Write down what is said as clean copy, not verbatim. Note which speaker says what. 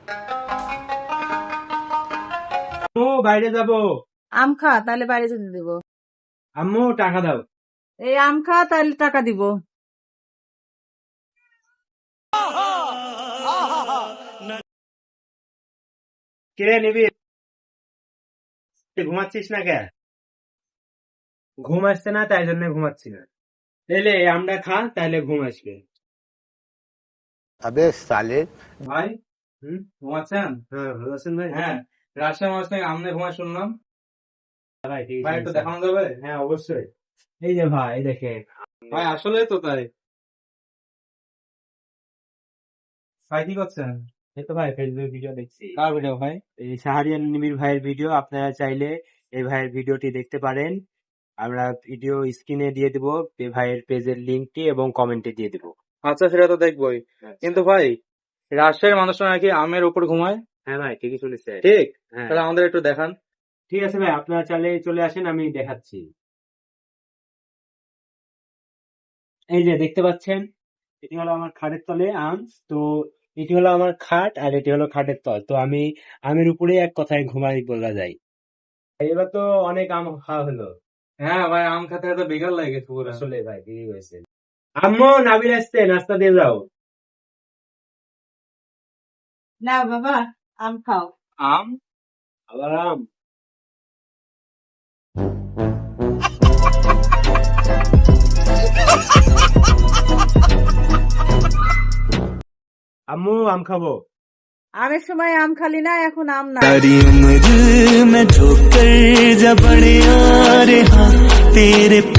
Speaker 1: বাইরে যাবো।
Speaker 2: আম খা, তাহলে বাইরে যেতে দিব।
Speaker 1: আম্মু টাকা দাও।
Speaker 2: এই আম খা, তাহলে টাকা দিব।
Speaker 1: কিরে নিবি? ঘুমাচ্ছিস না কে? ঘুম আসছে না, তাই জন্য ঘুমাচ্ছি না। তাইলে আমরা খা, তাইলে ঘুম আসবে।
Speaker 3: अबे साले
Speaker 4: ভাই ঘুমাচ্ছেন?
Speaker 1: হ্যাঁ, ভালো আছেন ভাই?
Speaker 4: হ্যাঁ, রাজশাহী মাছ থেকে আমনে ঘুমায় শুনলাম।
Speaker 1: ভাই ঠিক
Speaker 4: ভাই
Speaker 1: আছে।
Speaker 4: একটু দেখানো যাবে?
Speaker 1: হ্যাঁ অবশ্যই। এই যে ভাই দেখেন।
Speaker 4: ভাই আসলে তো তাই। ভাই কি করছেন?
Speaker 1: এই তো ভাই ফেসবুক ভিডিও দেখছি।
Speaker 4: কার ভিডিও ভাই?
Speaker 1: এই শাহরিয়ার নিবির ভাইয়ের ভিডিও। আপনারা চাইলে এই ভাইয়ের ভিডিওটি দেখতে পারেন। আমরা ভিডিও স্ক্রিনে দিয়ে দিব এই ভাইয়ের পেজের লিঙ্কটি এবং কমেন্টে দিয়ে দিব।
Speaker 4: আচ্ছা সেটা তো দেখবোই, কিন্তু ভাই রাজশাহীর মানুষরা নাকি আমের উপর ঘুমায়।
Speaker 1: হ্যাঁ ভাই ঠিকই শুনেছে।
Speaker 4: ঠিক,
Speaker 1: হ্যাঁ
Speaker 4: তাহলে আমাদের একটু দেখান।
Speaker 1: ঠিক আছে ভাই, আপনারা চাইলে চলে আসেন, আমি দেখাচ্ছি। এই যে দেখতে পাচ্ছেন, এটি হলো আমার খাটের তলে আম। তো এটি হলো আমার খাট আর এটি হলো খাটের তল। তো আমি আমের উপরে এক কথায় ঘুমাই বলা যায়। এবার তো অনেক আম খাওয়া হলো।
Speaker 4: হ্যাঁ ভাই, আম খেতে খেতে বিকাল লাগে গেছে পুরো।
Speaker 1: আসলে ভাই দেরি হয়েছে। আম্মু নাবিল আসছে, নাস্তা দিয়ে যাও।
Speaker 2: না বাবা, আম খাও।
Speaker 4: আম?
Speaker 1: আবার আম? আম্মू আম খাবো।
Speaker 2: আমের সময় আম খালি না, এখন আম না।
Speaker 5: सारी उम्र मैं ठोकर जा बड़े आ रहा तेरे